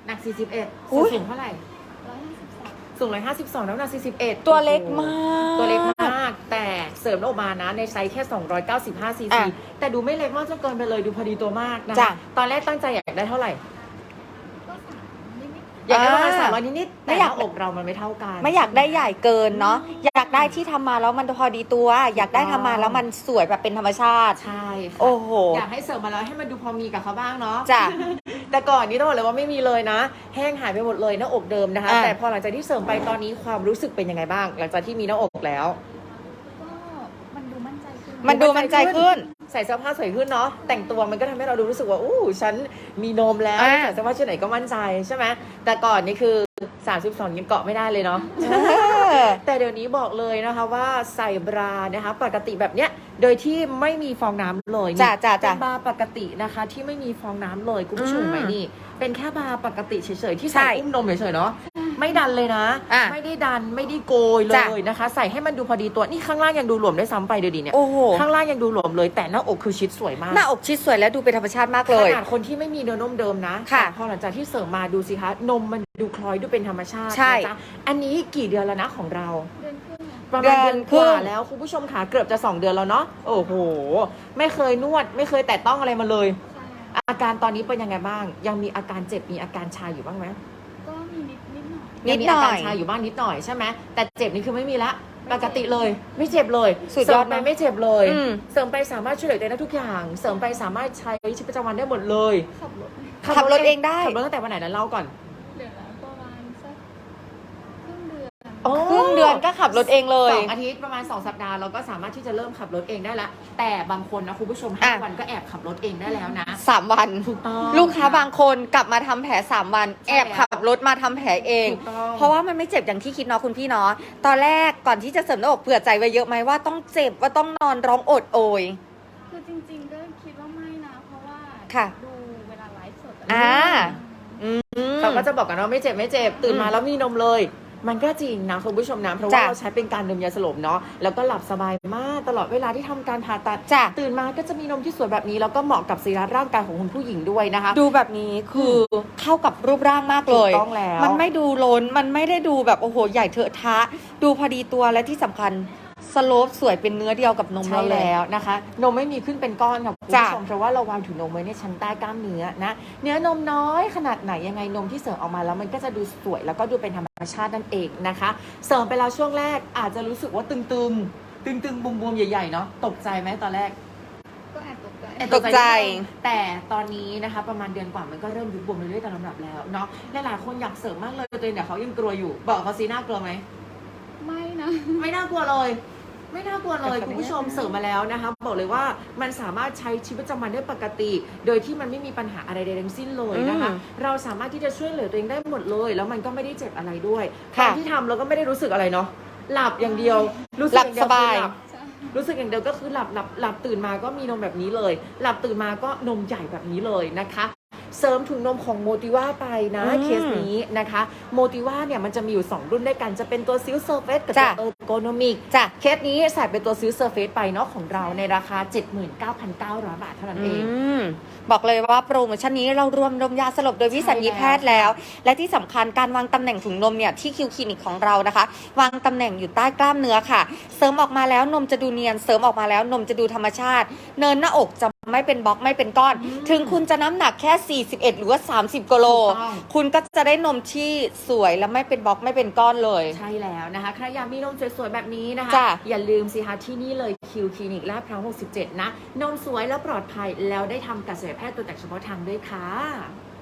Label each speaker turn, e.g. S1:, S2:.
S1: หนัก41
S2: อุ๊ย
S1: สูงเท่าไหร่สูง152น้ำหนัก41
S2: ตัวเล็กมาก
S1: ตัวเล็กมากแต่เสริมออกมานะในไซส์แค่295ซีซีแต่ดูไม่เล็กมากจนเกินไปเลยดูพอดีตัวมากนะตอนแรกตั้งใจอยากได้เท่าไหร่อยากได้ประมาณ300นิดๆแต่หน้าอกเรามันไม่เท่ากัน
S2: ไม่อยากได้ใหญ่เกินเนาะอยากได้ที่ทำมาแล้วมันพอดีตัว อยากได้ทำมาแล้วมันสวยแบบเป็นธรรมชาติ
S1: ใช่ค่ะ
S2: โอ้โห
S1: อยากให้เสริมมาแล้วให้มันดูพอมีกับเขาบ้างเนาะ
S2: จ้ะ
S1: แต่ก่อนนี้ต้องบอกเลยว่าไม่มีเลยนะ แห้งหายไปหมดเลยหน้าอกเดิมนะคะ แต่พอหลังจากที่เสริมไปตอนนี้ความรู้สึกเป็นยังไงบ้าง หลังจากที่มีหน้าอกแล้ว
S3: ก็มันดูมั่นใจขึ้น
S2: มันดูมั่นใจขึ้น
S1: ใส่เสื้อผ้าสวยขึ้นเนาะแต่งตัวมันก็ทำให้เราดูรู้สึกว่าอู้ฉันมีนมแล้ว
S2: อ่า
S1: ใส่เสื้อผ้าชุดไหนก็มั่นใจใช่ไหมแต่ก่อนนี่คือ32ยังเกาะไม่ได้เลยเนาะ แต่เดี๋ยวนี้บอกเลยนะคะว่าใส่บรานะคะปกติแบบเนี้ยโดยที่ไม่มีฟองน้ำเลย
S2: จ้ะจ้ะ
S1: เป็
S2: จ้ะ
S1: นบาร์ปกตินะคะที่ไม่มีฟองน้ำเลยคุณผู้ชม
S2: อืม
S1: ไหมนี่เป็นแค่บาร์ปกติเฉยๆที่
S2: ใช่
S1: ใส่อุ้มนมเฉยๆเนาะไม่ดันเลยนะ
S2: อ่ะ
S1: ไม่ได้ดันไม่ได้โกยเล
S2: จ้ะ
S1: ยนะคะ ใส่ให้มันดูพอดีตัวนี่ข้างล่างยังดูหลวมได้ซ้ำไปดูดิเนี่ย
S2: โอ้โห
S1: ข้างล่างยังดูหลวมเลยแต่หน้าอกคือชิดสวยมาก
S2: หน้าอกชิดสวยแล้วดูเป็นธรรมชาติมากเลย
S1: ขนาดคนที่ไม่มีเนื้อนมเดิมนะ
S2: ค่ะ
S1: แต่พอหลังจากที่เสริมมาดูสิคะนมมันดูคล้อยดูเป็นธรรมชาติ
S2: ใช่
S1: นะจ๊ะอันนี้กี่เดือนแล้วนะของเรา
S3: เดือนครึ่งอะ
S1: ประมาณเดือนกว่า
S2: เดือนครึ่ง
S1: แล้วคุณผู้ชมค่ะเกือบจะ2 เดือนแล้วเนาะโอ้โหไม่เคยนวดไม่เคยแตะต้องอะไรมาเลย
S3: ใช่
S1: อาการตอนนี้เป็นยังไงบ้าง ยังมีอาการเจ็บมีอาการชาอยู่บ้างไหม
S3: ก็มีนิดหน่อย
S1: ยังมีอาการชาอยู่บ้างนิดหน่อยใช่ไหมแต่เจ็บนี่คือไม่มีละปกติเลย ไม่เจ็บเลย
S2: สุดยอด
S1: เสริมไป
S2: นะ
S1: ไม่เจ็บเลย
S2: อืม
S1: เสริมไปสามารถช่วยเหลือตัวเองได้ทุกอย่าง เสริมไปสามารถใช้ชีวิตประจำวันได้หมดเลย
S3: ขับรถ
S2: ขับรถเองได้
S1: ขับรถตั้งแต่วันไหนนะเล่าก่อน
S3: เดือนละประมาณสักครึ่งเดือน
S1: โอ้
S2: ครึ่งเดือนก็ขับรถเองเลย
S1: 2 อาทิตย์ประมาณ2 สัปดาห์เราก็สามารถที่จะเริ่มขับรถเองได้ละแต่บางคนนะคุณผู้ชม
S2: อ่ะ
S1: 5 วันก็แอบขับรถเองได้แล้วนะ
S2: 3 วัน
S1: ถูกต้อง
S2: ลูกค้าบางคนกลับมาทำแผล3 วัน
S1: ใช่
S2: แอบขับรถมาทำแผลเอง
S1: ถูกต้อง
S2: เพราะว่ามันไม่เจ็บอย่างที่คิดเนาะคุณพี่เนาะตอนแรกก่อนที่จะเสริมหน้าอกเผื่อใจไว้เยอะไหมว่าต้องเจ็บว่าต้องนอนร้องโอดโอย
S3: คือจริงๆก็คิดว่าไม่นะ เพราะว่า
S2: ค่ะ
S3: ดูเวลาไลฟ์สดะ
S2: อ่า อืม
S1: เขาก็จะบอกกันว่าไม่เจ็บไม่เจ็บตื่นมาแล้วมีนมเลย มันก็จริงนะคุณผู้ชมนะเพราะว่า
S2: จ้ะ
S1: เราใช้เป็นการดมยาสลบเนาะแล้วก็หลับสบายมากตลอดเวลาที่ทำการผ่าตัด
S2: จ้ะ
S1: ตื่นมาก็จะมีนมที่สวยแบบนี้แล้วก็เหมาะกับสรีระร่างกายของคุณผู้หญิงด้วยนะคะ
S2: ดูแบบนี้คือเข้ากับรูปร่างมากเลย
S1: ถูกต้องแล้ว
S2: มันไม่ดูล้น มันไม่ได้ดูแบบโอ้โหใหญ่เถอะทะ ดูพอดีตัวและที่สำคัญสโลปสวยเป็นเนื้อเดียวกับนม
S1: ใช่
S2: เราเลย
S1: แล้วนะคะ นมไม่มีขึ้นเป็นก้อนค่ะคุณ
S2: จ้ะ
S1: ผู้ชมเพราะว่าเราวางถุงนมไว้ในชั้นใต้กล้ามเนื้อนะเนื้อนมน้อยขนาดไหนยังไงนมที่เสริมออกมาแล้วมันก็จะดูสวยแล้วก็ดูเป็นธรรมชาตินั่นเองนะคะ เสริมไปแล้วช่วงแรกอาจจะรู้สึกว่าตึงๆบวมๆใหญ่ๆเนาะตกใจไหมตอนแรก
S3: ก็แอบตกใจ
S2: ตกใจ
S1: แต่ตอนนี้นะคะประมาณเดือนกว่ามันก็เริ่มยุบบวมเรื่อยๆตามลำดับแล้วเนาะหลายๆคนอยากเสริมมากเลยตัวเองเนี่ยเขายังกลัวอยู่บอกเขาซีน่ากลัวไหม
S3: ไม่นะ
S1: ไม่น่ากลัวเลย ไม่น่ากลัวเลยคุณผู้ชมเสริมมาแล้วนะคะบอกเลยว่ามันสามารถใช้ชีวิตประจำวันได้ปกติ โดยที่มันไม่มีปัญหาอะไรใดทั้งสิ้นเลยนะคะ เราสามารถที่จะช่วยเหลือตัวเองได้หมดเลย แล้วมันก็ไม่ได้เจ็บอะไรด้วยต
S2: ค่ะ
S1: อนที่ทำเราก็ไม่ได้รู้สึกอะไรเนาะหลับอย่างเดียวรู้สึก
S2: หลับ
S1: องเดีว
S2: สบาย
S1: คือหลั
S3: ใช่
S1: รู้สึกอย่างเดียวก็คือหลับตื่นมาก็มีนมแบบนี้เลย หลับตื่นมาก็นมใหญ่แบบนี้เลยนะคะ เสริมถุงนมของโมติว่าไปนะ
S2: อืม
S1: เคสนี้นะคะโมติว่าเนี่ยมันจะมีอยู่ 2 รุ่นด้วยกันจะเป็นตัวซิลเซอร์เฟสกับตัว
S2: จ้ะ
S1: เออร์โกนมิก
S2: จ้ะ
S1: เคสนี้ใส่เป็นตัวซิลเซอร์เฟสไปเนาะของเราในราคา 79,900 บาทเท่านั้นเอง
S2: บอกเลยว่าโปรโมชั่นนี้เรารวมนมยาสลบโดยวิสัญญีแพทย์แล้ว และที่สำคัญการวางตำแหน่งถุงนมเนี่ยที่คิวคลินิกของเรานะคะ วางตำแหน่งอยู่ใต้กล้ามเนื้อค่ะ เสริมออกมาแล้วนมจะดูเนียนเสริมออกมาแล้วนมจะดูธรรมชาติ เนินหน้าอกจะไม่เป็นบล็อกไม่เป็นก้อน ถึงคุณจะน้ำหนักแค่ 41 หรือว่า 30กิโล
S1: ถูกต้อง
S2: คุณก็จะได้นมที่สวยและไม่เป็นบล็อกไม่เป็นก้อนเลย
S1: ใช่แล้วนะคะใครอยากมีนมสวยๆแบบนี้นะคะ
S2: จ้ะ
S1: อย่าลืมสิคะที่นี่เลยคิวคลินิกลาดพร้าว67 นะ นมสวยแล้วปลอดภัยแล้วได้ทำกับศัลยแพทย์ตัวแต่งเฉพาะทางด้วยค่ะ